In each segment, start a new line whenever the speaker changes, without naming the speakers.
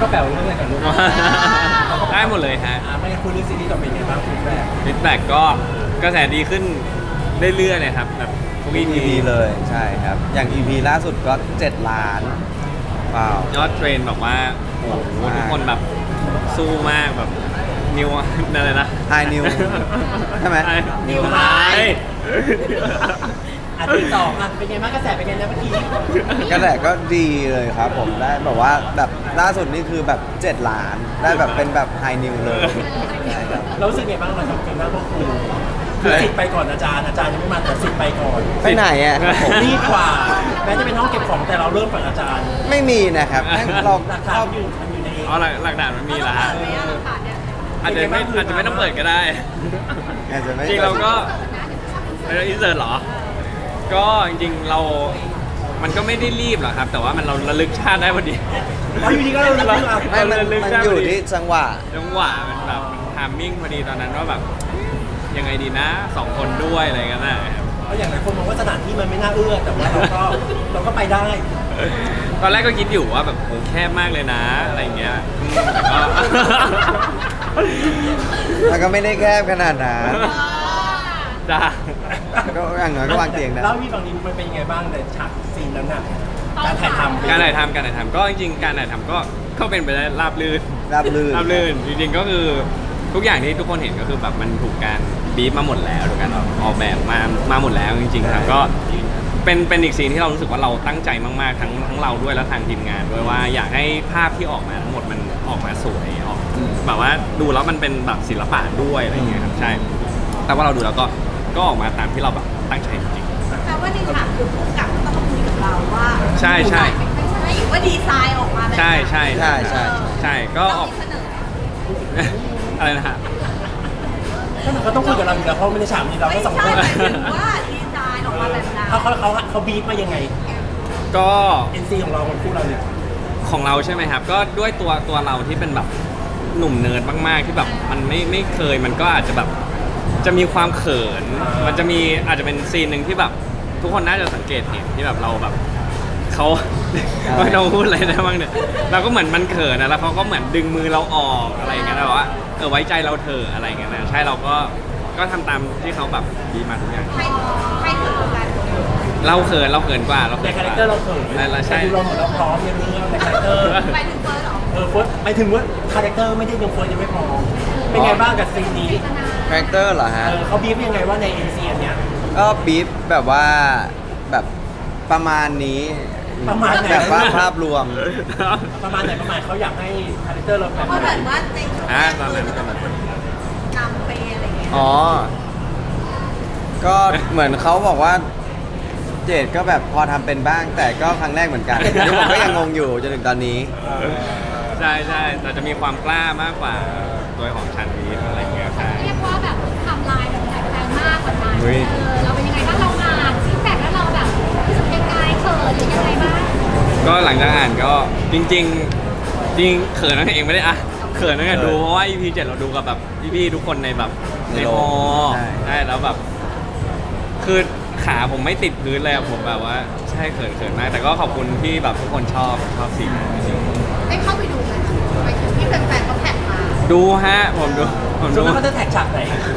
ก็แปลว่าเรื่องอะไรกันลูก
ได้หมดเลยฮะ
ไม่ได้คุยเรื่องซีรีส์ต่อไปไงบ้างฟีดแบ็ก
ฟีดแบ็กก็กระแสดีขึ้นเรื่อยๆเลยครับแบบทุก EP
EP เลยใช่ครับ อย่าง EP ล่าสุดก็7 ล้านว้าวย
อดเทรนแบบว่าโอ้โห
มาก
ทุกคนแบบสู้มากแบบนิวอะไรนะ
High New ใช่ไหม
นิวไฮ อันที่สองอ่ะเป็นไงบ้างกระแสเป็นไงนะเมื่อกี้
กระแสก็ดีเลยครับผมได้แบบว่าแบบล่าสุดนี่คือแบบ7 ล้าน ได้แบบเป็นแบบ High New เลยใช่ครับ
เรารู้สึกไงบ้างเราทำกันบ้างพวกคุณคือสิทธิ์ไปก่อนอาจารย์ยังไม่มาแต่สิทธิ์ไปก่อน
ไปไหนอ่ะครับผม
รีบกว่าแม้จะเป็นห้องเก็บของแต่เราเริ่มก่อนอาจารย์
ไม่มีนะครับเรา
หลักฐานมันอยู่ใน
อ๋อหลักฐานมันมีแล้วฮะ
เราเปิดไหมอะหลักฐานเนี่ย
อาจจะไม่ต้องเปิดก็ได้
อาจจะไม่
จริงเราก็เราอินเสิร์ตเหรอ ก็จริงๆเรา มันก็ไม่ได้รีบหรอกครับ แต่ว่ามันเราระลึกชาติได้พอดี
อ๋ออยู่ดีก็เราเลือกอ่ะ
ไม่มันอยู่ที่จังหวะ
จังหวะมันแบบมันทามมิ่งพอดีตอนนั้นว่าแบบยังไงดีนะ2 คนด้วยอะไรกันนะครับ
เพราะอย่างหลายคนมองว่าสถานที่มันไม่น่าเอื้อแต่ว่าเราก็ไปได้
ตอนแรกก็คิดอยู่ว่าแบบโหแคบมากเลยนะอะไรอย่างเงี้ยแต่ก็
มันก็ไม่ได้แคบขนาดนั้น
จ้า
ก็อย่างน้อยก็วางเตียงได้
เล่าพี่ฝั่งนี้มันเป็นยังไงบ้างในฉากซีนนั้นน่ะการถ่ายทำ
การถ่ายทำก็จริงๆการถ่ายทำก็เป็นไปได้ราบรื่น
ราบรื่น
ราบรื่นจริงๆก็คือทุกอย่างที่ทุกคนเห็นก็คือแบบมันถูกการบีบมาหมดแล้วถูกการออกแบบมาหมดแล้วจริงๆครับก็เป็นอีกซีนที่เรารู้สึกว่าเราตั้งใจมากๆทั้งเราด้วยและทางทีมงานด้วยว่าอยากให้ภาพที่ออกมาทั้งหมดมันออกมาสวยออกแบบว่าดูแล้วมันเป็นแบบศิลปะด้วยอะไรอย่างเงี้ยครับใช่ แต่ว่าเราดูแล้วก็ออกมาตามที่เราแบบตั้งใจจริง
แต่ว่าในฉากคือผู้กำกับต้องมาคุยกับเราว่า
ใช่ใช่
ไม่ใช่ว่าดีไซน์ออกมาแบบ
ๆใช่ใช่
ใช่ใช่
ใช่ก็
ต้อง
ออก
มีเสนอ
ก็มันก็ต้องคุยกับเราอยู่แล้วเพราะไม่ได้ฉากนี้เรา
ไม่
ก็สอง
ใช่
คน
หมายถึงว่าดีไซน์ออกมาแบบนั้น
เขาบีบมายังไง
ก็
NC ของเราคนคู่เราเนี่ย
ของเราใช่ไหมครับ ก็ด้วยตัวเราที่เป็นแบบหนุ่มเนิร์ดมากๆที่แบบมันไม่เคยมันก็อาจจะแบบจะมีความเขิน มันจะมีอาจจะเป็นซีนหนึ่งที่แบบทุกคนน่าจะสังเกตเห็นที่แบบเราแบบเขาไม่ต้องพูดอะไรได้บ้างเนี่ยเราก็เหมือนมันเขินนะแล้วเขาก็เหมือนดึงมือเราออกอะไรอย่างเงี้ยแล้วว่าไว้ใจเราเถอะอะไรอย่างเงี้ยนะใช่เราก็ทำตามที่เขาแบบดีมาทุกอย่าง
ใครถือกัน
เราเขินกว่าเรา
ใน
เขิน
คาก แรค
ว่า
เตอร์เราเขิน
ใช่
แต่ดูเราเหมือนเราพร้อมในเรื่องในคาแรคเตอร์
ไปถึงเฟิร์สเหรอ
เฟิร์สไปถึงว่าคาแรคเตอร์ไม่ได้ยังเฟิร์สยังไม่พอเป็นไงบ้างกับซีนนี้
คาแรคเตอร์เหรอฮะ
เขาบีบยังไงว่าใน NC อันเนี้ย
ก็บีฟแบบว่าแบบประมาณนี้
ประมาณไหน
แบบว่าภาพรวม
ประมาณไหนประมาณเขาอยากให้คาแรคเตอร์เราแบบ
เพราะ
ไห
แบ
น
บว่าใน
ตอนนั้นก็แบบ
นำไปอะไรอย่างเงี้ย
อ๋อ ก็เหมือนเขาบอกว่าเจดก็แบบพอทำเป็นบ้าง แต่ก็ครั้งแรกเหมือนกันที่ผมก็ยังงงอยู่จนถึงตอนนี้
ใช่แต่จะมีความกล้ามากกว่าตัวของชันวีอะไรอย่างเงี้ยใช่
เรียกว่าแบบทำลายแบบแรงมากกว่านั้น
อุ๊ย
เราเป็นยังไงบ้างเราอ่านฟีดแบ็กแล้วเราแบบรู้สึกยังไงเขินหรือยังไงบ้าง
ก็หลังจากอ่านก็จริงเขินนั่นเองไม่ได้อะเขินนั่นแหละดูเพราะว่า EP 7เราดูกับแบบพี่ๆทุกคนในแบบ
ใน
ใน
โร
ฮอง
ใช่
ใช่แล้วแบบ คือขาผมไม่ติดพื้นเลยอะผมแบบว่าใช่เขินมาก แต่ก็ขอบคุณที่แบบทุกคนชอบซีนนั้นจริง
ได้เข้าไปดูไหมไปถึงที่แฟนๆเขาแท็กมา
ๆดูฮะผมดู
ส่วนมากเขาจะแท็กฉากไหน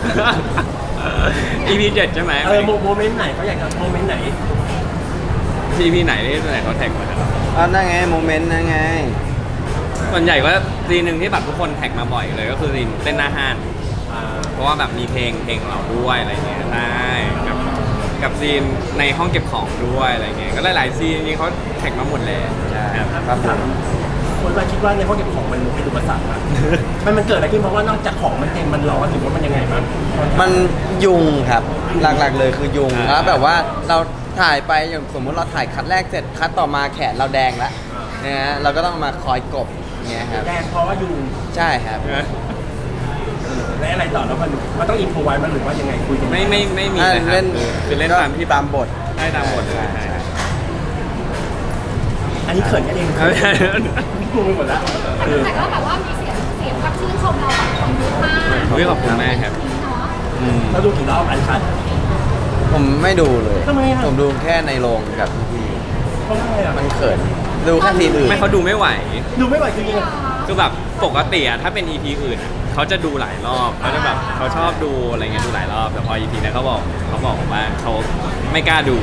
EP 7ใช่ไหม
โมเมนต์ไหนเขาอยากจะโมเมนต์ไหน
EP ไหนที่ไหนเขาแท็กมาครับ
อ๋อนั่นไงโมเมนต์นั่นไง
ส่วนใหญ่ก็ซีนหนึ่งที่แบบทุกคนแท็กมาบ่อยเลยก็คือซีนเต้นหน้าห้านเพราะว่าแบบมีเพลงเราด้วยอะไรเงี้ยใช่กับซีนในห้องเก็บของด้วยอะไรเงี้ยก็หลายๆซีนจริงๆเขาแท็กมาหมดเลย
ใช่
ครับ
ครับผม
คนมาคิดว่าในห้องเก็บของมันเป็นอุปสรรคอะมันเกิดอะไรขึ้นเพราะว่านอกจากของมันเต็มมันร้อนหรือว่ามันยังไงบ้าง
มันยุงครับ หลักๆเลยคือยุงแล้วแบบว่าเราถ่ายไปอย่างสมมติเราถ่ายคัดแรกเสร็จคัดต่อมาแขนเราแดงแล้วนะฮะเราก็ต้องมาคอยกบอย่างเงี้ยครับ
แดงเพราะว่ายุง
ใช่ครับ
และอะไรต่อแล้วมันต้องอินโฟไว้มันหรือว่ายังไงคุยกัน
ไม่มีเลยครับคือเล่นตามที่
ตามบท
ได้ตามบทเลย
ใช่
ใช่
ใช่
อันนี้เขินกันเอง
ใช่
งงไปหมดแล้ว
แต่ก็แบบว่ามีเสียงความชื่นชมเราแบบคนเยอะมาก
ขอบคุณมากครับ
เนาะ
อืม
เราดูกี่รอบอันคัด
ผมไม่ดูเลย
ทำไมอะ
ผมดูแค่ในโรงกับพี่
เพราะอะไรอ่ะ
มันเขิน ดูแค่ทีมอื่น
ไม่เขาดูไม่ไหว
ดูไม่ไหวจริง
คือแบบปกติอะถ้าเป็น EP อื่นอะเขาจะดูหลายรอบเขาจะแบบเขาชอบดูอะไรเงี้ยดูหลายรอบแต่พอ EP นี้เขาบอกว่าเขาไม่กล้าดู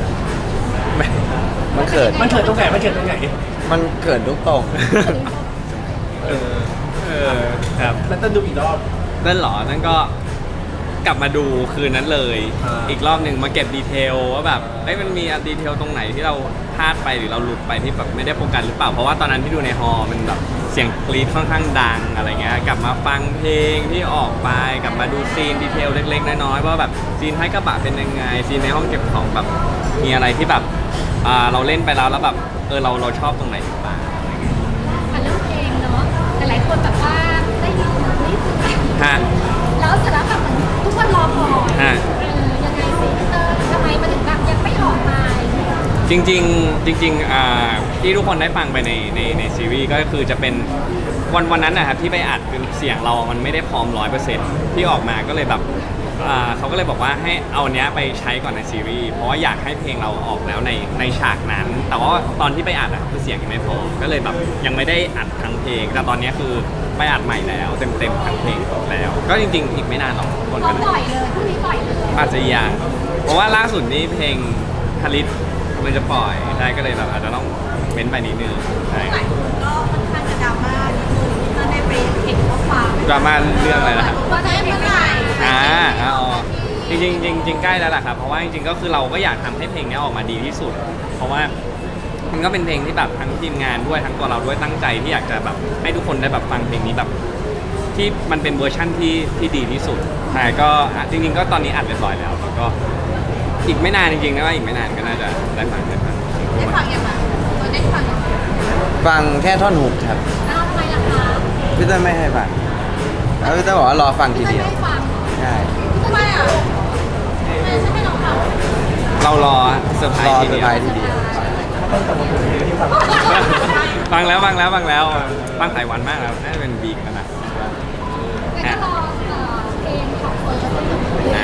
มันเขิน
มันเกิดตรงไหนมันเกิดตรงไหน
มันเขินทุกตรง
เออครับ
แล้วต้องดูอีกรอบ
นั่นเหรอ นั่นก็กลับมาดูคืนนั้นเลย
อ่า
อีกรอบหนึ่งมาเก็บดีเทลว่าแบบเอ้ยมันมีดีเทลตรงไหนที่เราพลาดไปหรือเราหลุดไปที่แบบไม่ได้โฟกัสหรือเปล่า เพราะว่าตอนนั้นที่ดูในฮอลล์มันแบบเสียงกรีดค่อนข้างดังอะไรเงี้ย กลับมาฟังเพลงที่ออกไป กลับมาดูซีนดีเทลเล็กๆน้อยๆว่าแบบซีนท้ายกระบะเป็นยังไง ซีนในห้องเก็บของแบบมีอะไรที่แบบเราเล่นไปแล้วแบบเราชอบตรงไหนหรือเปล่าอะไรเงี้ย
มันเรื่องเพลงเนาะหลายๆคนแบบว่าได้ยินนิดนึง
ฮะ
แล้วเสร็จแล้วแบบเหมือนทุกคนรอคอย
ฮะ
ยังไงสิทำไมมันถึงแบบยังไม่ออกมา
จริงที่ทุกคนได้ฟังไปในซีรีส์ก็คือจะเป็นวันนั้นนะครับที่ไปอัดคือเสียงเรามันไม่ได้พร้อม 100%ที่ออกมาก็เลยแบบเขาก็เลยบอกว่าให้เอาเนี้ยไปใช้ก่อนในซีรีส์เพราะว่าอยากให้เพลงเราออกแล้วในฉากนั้น แต่ว่าตอนที่ไปอัดคือเสียงยังไม่พร้อมก็เลยแบบยังไม่ได้อัดทั้งเพลงแต่ตอนเนี้ยคือไปอัดใหม่แล้วเต็มทั้งเพลงแล้ว ก็จริงๆอีกไม่นานหรอกคน
เขา
ก็
ปล่อยเลยพรุ่งนี้ปล่อยเลย
อาจจะยังเพราะว่าล่าสุดนี้เพลงคาริสมันจะปล่อยใช่ก็เลยแบบอาจจะต้องเว้นไปนิดนึงใช่
หลายคนก็ค่อนข้างจะดราม่านิดนึงถ้าได้ไปเห็นข้อความ
ดราม่าเรื่องอะไรนะครับ
ว่าจะเมื่อไหร่
จริงใกล้แล้วล่ะครับเพราะว่าจริงๆก็คือเราก็อยากทำให้เพลงนี้ออกมาดีที่สุด เพราะว่ามันก็เป็นเพลงที่แบบทั้งทีมงานด้วยทั้งตัวเราด้วยตั้งใจที่อยากจะแบบให้ทุกคนได้แบบฟังเพลงนี้แบบที่มันเป็นเวอร์ชั่นที่ดีที่สุดแต่ก็จริงๆก็ตอนนี้อัดเรียบร้อยแล้วแล้วก็อีกไม่นานจริงๆนะว่าอีกไม่นานก็น่าจะได้ฟัง
ได้ฟังยังไงเราได้ฟังยังไง
ฟังแค่ท่อนฮุกครับ
แล้วทำไมล่ะคะ
พี่เต้ยไม่ให้ฟังแล้วพี่เต้ยบอกว่ารอฟังที
ไม่
เดียว
ได้ฟัง
ใช่
ทำไมอ่ะ
ไม่ใช่ให้เราฟัง
เรารอเซอร์ไพร
รอ
ส์ที
เซอ
เดี
ร์
ย
ไพร
ว
ส์ทีเดียว
ฟังแล้วฟังหลายวันมากแล้วน่าจะเป็นวีคแล้วนะ
แต่ก็รอเพลงของเฟิร์สเป็น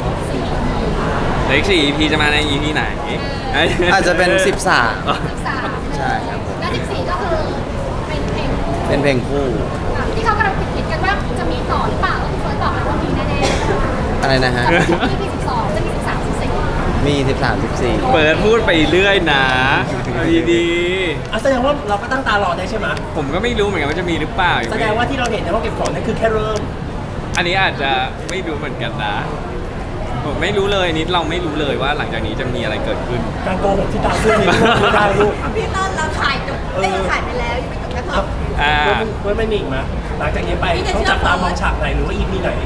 4
เหลืออีก4 EP จะมาใน EP ไหน
อาจจะเป็น 13
13
ใช่ครับผม
แล้ว14ก็คือเป็นเพลง
เป็นเพลงคู่
ที่เขากำลังคิดกันว่าจะมีต่อหรือเปล่าเฟิร์สบอกแล้วว่ามีแน่ๆ
อะไรนะฮะ
จะมีที่12จะมี13 14
มี 13
เปิดพูดไปเรื่อยนะดี
อ่ะแสดงว่าเราก็ตั้งตารอได้ใช่ไหม
ๆผมก็ไม่รู้เหมือนกันว่าจะมีหรือเปล่า
แสดงว่าที่เราเห็นในห้องเก็บของนั่นคือแค่เริ่ม
อันนี้อาจจะไม่รู้เหมือนกันนะผมไม่รู้เลยนิดเราไม่รู้เลยว่าหลังจากนี้จะมีอะไรเกิดขึ้น
การโกหกที่ตามเพื่อนนี่ไม่ได้ลูก
พี่ต้นเราถ่ายจบได้ถ่ายไปแล้วยังไม่จบแค่ตอน
เพื่อนไม่มีอีกไหมหลังจากนี้ไปต้องจับตามองฉากไหนหรือว่า EP ไหน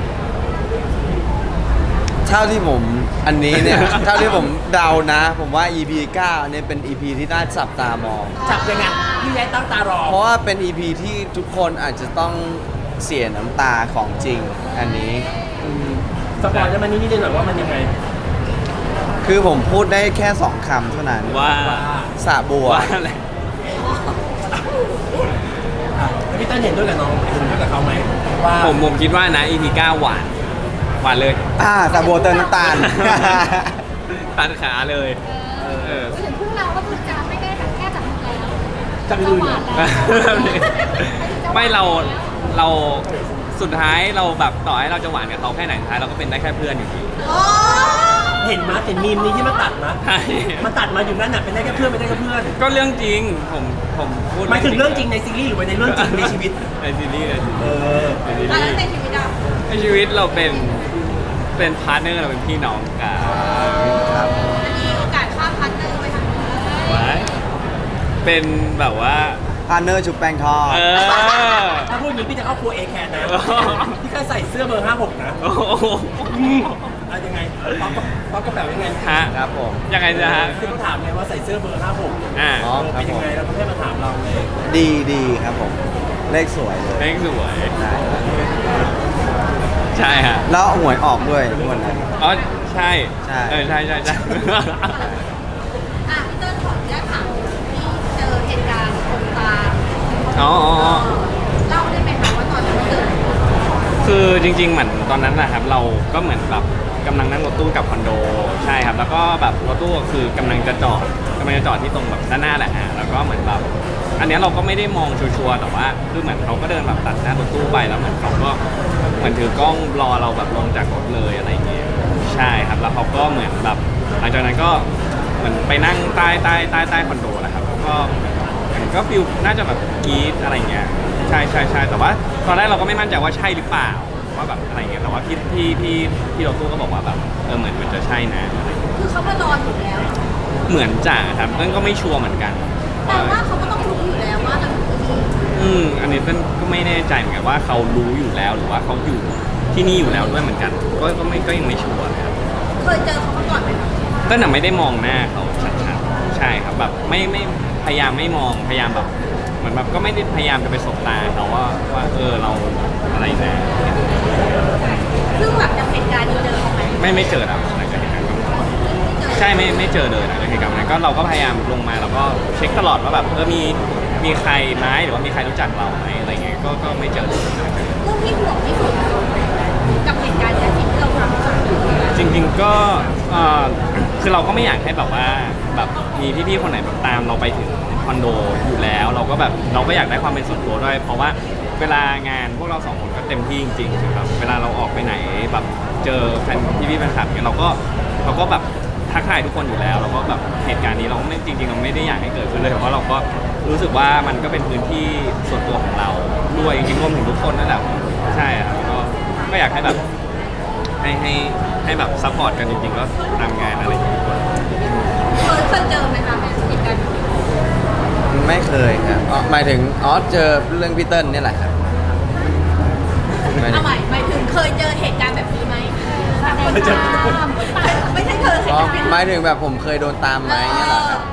เท่าที่ผมอันนี้เนี่ย เท่าที่ผมเดานะ ผมว่า EP 9อันนี้เป็น EP ที่น่าจับตามอง
จับยังไงพี่แย้ตั้งตารอ
เพราะว่าเป็น EP ที่ทุกคนอาจจะต้องเสียน้ำตาของจริงอันนี้
สปอยล์ได้ไหมนิดๆหน่อยๆว่ามันยังไง
คือผมพูดได้แค่ 2 คำเท่านั้น
ว่า
สระบัว
ว่าอะไร
แล้วพี่เต้นเห็นด้วยกับน้องเห็นด้วยกับเขาไหมว่า
ผมคิดว่านะ EP 9หวานเลย
สระบัวเติมน้ำตาล
ตัดขาเลยเออ
ถึงพวกเราก็คือจะไม่ได้แบบแค่จับมือแล้ว
จับ
จะ
มือ
หวานแล้ว
ไม่เราสุดท้ายเราแบบต่อให้เราจะหวานกับเขาแค่ไหนสุดท้ายเราก็เป็นได้แค่เพื่อนอยู่ดี
โอ้
เห็นมาเห็นมีมนี้ที่มันตัดมา
ใช่
มันตัดมาอยู่นั่นน่ะเป็นได้แค่เพื่อนเป็นได้แค่เพื่อน
ก็เรื่องจริงผมพูด
หมายถึงเรื่องจริงในซีรีส์หรือว่าในเรื่องจริงในชีวิต
ในซีรีส์
เออ
ในซี
แล้ว
รีส์
ในชีวิตเรา
ในชีวิตเราเป็นพาร์ทเนอร์เราเป็นพี่น้องกัน
ครับ
อันนี้โอกาสข้ามพันเตอร์ไปทางนี้
ไว้เป็นแบบว่า
พาร์เนอร์ชุบแป้งทอด
เออ
ถ้าพูดอย่างนี้พี่จะเข้าครัวเอแคนนะพี่แค่ใส่เสื้อเบอร์ 56 นะ
โอ้โห
อะยังไงป๊อกกระเป๋ายังไง
ฮะ
ครับผม
ยังไงจะฮะ
ที่เขาถามไงว่าใส่เสื้อเบอร์ 56
อ่า
อ๋อ
เป็นยังไงแล้วเขาแค่มาถามเราไง
ดีครับผม เลขสวยเลย
เล็กสวย
ใช่
ใช่ฮะ
แล้วหวยออกด้วยทุกวันนั้น
อ๋อใช่
ใช่
ใช่
อ่ะพี่ต้นขออนุญาตถามที่เจอเหตุการณ์คนตาม
อ๋อ
เล่าได้ไหมคะว่าตอนนั้นมันเกิดอะไรขึ้น
คือจริงๆเหมือนตอนนั้นนะครับเราก็เหมือนแบบกำลังนั่งรถตู้กลับคอนโดใช่ครับแล้วก็แบบรถตู้คือกำลังจะจอดที่ตรงแบบด้านหน้าแหละแล้วก็เหมือนแบบอันเนี้ยเราก็ไม่ได้มองชัวร์ๆแต่ว่าคือเหมือนเขาก็เดินแบบตัดหน้ารถตู้ไปแล้วเหมือนเขาก็เหมือนถือกล้องรอเราแบบลงจากรถเลยอะไรอย่างเงี้ยใช่ครับแล้วเขาก็เหมือนแบบหลังจากนั้นก็เหมือนไปนั่งใต้คอนโดแหละครับก็ก็ฟิลน่าจะแบบกรี๊ดอะไรเงี้ยใช่แต่ว่าตอนแรกเราก็ไม่มั่นใจว่าใช่หรือเปล่าว่าแบบอะไรเงี้ยแต่ว่าพี่รถตู้ก็บอกว่าแบบเหมือนมันจะใช่นะอะไรเงี้ย
คือเขามารออยู่แล้ว
เหมือนจ่าครับเต้นก็ไม่ชัวร์เหมือนกัน
แต่ว่าเขาก็ต้องรู้อยู่แล้วว่าเราอยู่ที่นี่
อันนี้เต้นก็ไม่แน่ใจเหมือนกันว่าเขารู้อยู่แล้วหรือว่าเขาอยู่ที่นี่อยู่แล้วด้วยเหมือนกันก็ยังไม่ชัวร์นะครับ
เคยเจอเขามาก่อนไหมคะ
เต้นน่ะไม่ได้มองหน้าเขาชัดๆใช่ครับแบบไม่พยายามไม่มองพยายามแบบเหมือนแบบก็ไม่ได้พยายามจะไปสบตาเขาว่าเราอะไรนะ
ซึ่งแบบจากเหตุการณ์นี้เจอเขาไหม
ไม่เจอครับหลังจากเหตุการณ์นั้นใช่ไม่เจอเลยหลังจากเหตุการณ์นั้นก็เราก็พยายามลงมาแล้วก็เช็คตลอดว่าแบบมีใครไหมหรือว่ามีใครรู้จักเราไหมอะไรเงี้ยก็ไม่เจอเลย
เรื่องที่ห่วงที่สุดกับเหตุการณ์นี้ที่เราทำกัน
จริงๆก็คือเราก็ไม่อยากให้แบบว่าแบบมีพี่ๆคนไหนแบบตามเราไปถึงคอนโดอยู่แล้วเราก็แบบเราก็อยากได้ความเป็นส่วนตัวด้วยเพราะว่าเวลางานพวกเราสองคนก็เต็มที่จริงๆคือแบบเวลาเราออกไปไหนแบบเจอแฟนพี่ๆแฟนคลับเนี่ยเราก็แบบทักทายทุกคนอยู่แล้วเราก็แบบเหตุการณ์นี้เราไม่จริงๆเราไม่ได้อยากให้เกิดขึ้นเลยเพราะเราก็รู้สึกว่ามันก็เป็นพื้นที่ส่วนตัวของเราด้วยจริงๆรวมถึงทุกคนนั่นแหละใช่ครับก็อยากให้แบบให้แบบซัพพอร์ตกันจริงๆก็ตามงานอะไรอย่างเงี้ย
เคยเจอไหมคะเหตุการณ์นี้
ไม่เคยครับหมายถึงเจอเรื่องพี่เติ้ลนี่แหละครับหมายถึ
เอา
ง
ใหม่หมายถึงเคยเจอเหตุการณ์แบบนี้ไหม
ไม่ใช่ตาม
ไม่ใช่เคยเหตุการณ์แบบ
หมายถึงแบบผมเคยโดนตามไหมเนี่ยเหรอครับ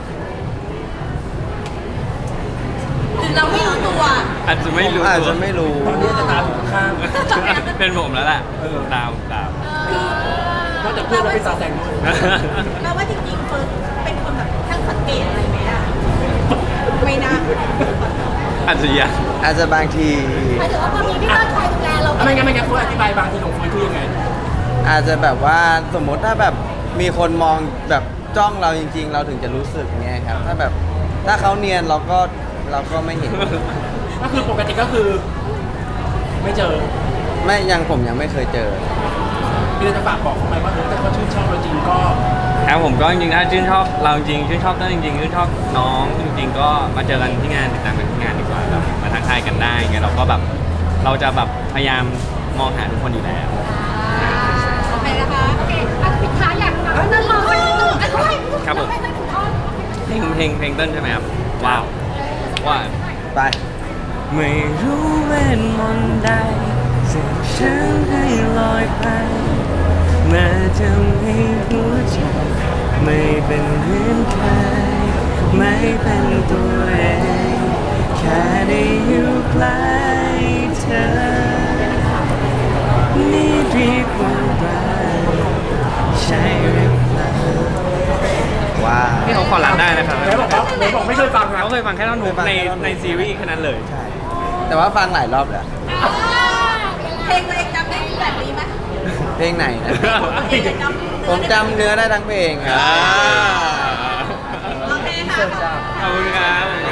หรือเราไม่รู้ตัว
อาจจะไม่รู้
อาจจะไม่รู้
ตอนนี้จะตามข้าง
เป็นผมแล้วแหละ
เออ
ตาม
นอกจากเพื่อนเราเป็นซาแซงด้วย
เราว่าจริงๆเฟิร์นเป็นคนแบบช่างสังเกตอะไรไหมอะไม่น่า
อาจจะยัง
อาจจะบางที
หมายถึงว่าพอมีพี่เติ้ลคอยดูแลเรา
ไม่งั้นเฟิร์นอธิบายบางทีของเฟิร์นคือยังไง
อาจจะแบบว่าสมมติถ้าแบบมีคนมองแบบจ้องเราจริง ๆ เราถึงจะรู้สึกเงี้ยครับถ้าแบบถ้าเขาเนียนเราก็ไม่เห็น
ก็คือปกติก็คือ ไม่เจอ
ผมยังไม่เคยเจอ
พี่เลยจะฝากบอกเขาไหมว่าถ้าเขาชื่นชอบเราจริงก็
ครับผมก็จริงๆถ้าชื่นชอบเราจริงชื่นชอบเต้นจริงๆชื่นชอบน้องจริงๆก็มาเจอกันที่งานติดตามกันที่งานดีกว่าแบบมาทักทายกันได้ไงเราก็แบบเราจะแบบพยายามมองหาทุกคนอยู่แล้ว
โอเคนะคะ
โอเคอ่ะปิดท้ายอยากฟังเติ้ลร้องสักนิดนึงอ่ะด้วย
ครับผม
ร้องให้สักหนึ่งท่อน
เพลงเต้นใช่ไหมครับว้าวว่า
ไป
ไม่รู้เวทมนต์ใดสิ่งฉันให้ลอยไปมาทำให้หัวใจไม่เป็นเหมือนใครไม่เป็นตัวเองแค่ได้อยู่ใกล้เธอนี่เรียกว่ารักใช่หรือเปล่า
ว้าว
นี่เขาขอรับได้นะครับ
ไหนบอกไม่เคยฟังนะ
เขาเคยฟังแค่ท่อนฮุกในซีรีส์แค่นั้นเลย
ใช่ แต่ว่าฟังหลายรอบแล้ว
เพลงตัวเองจำได้แบบนี้ไหม
เพลงไหนนะ
เพลงจำ
ผมจำเนื้อได้ทั้งเพลงครับ
โอเคค่ะ
ขอบคุณครับ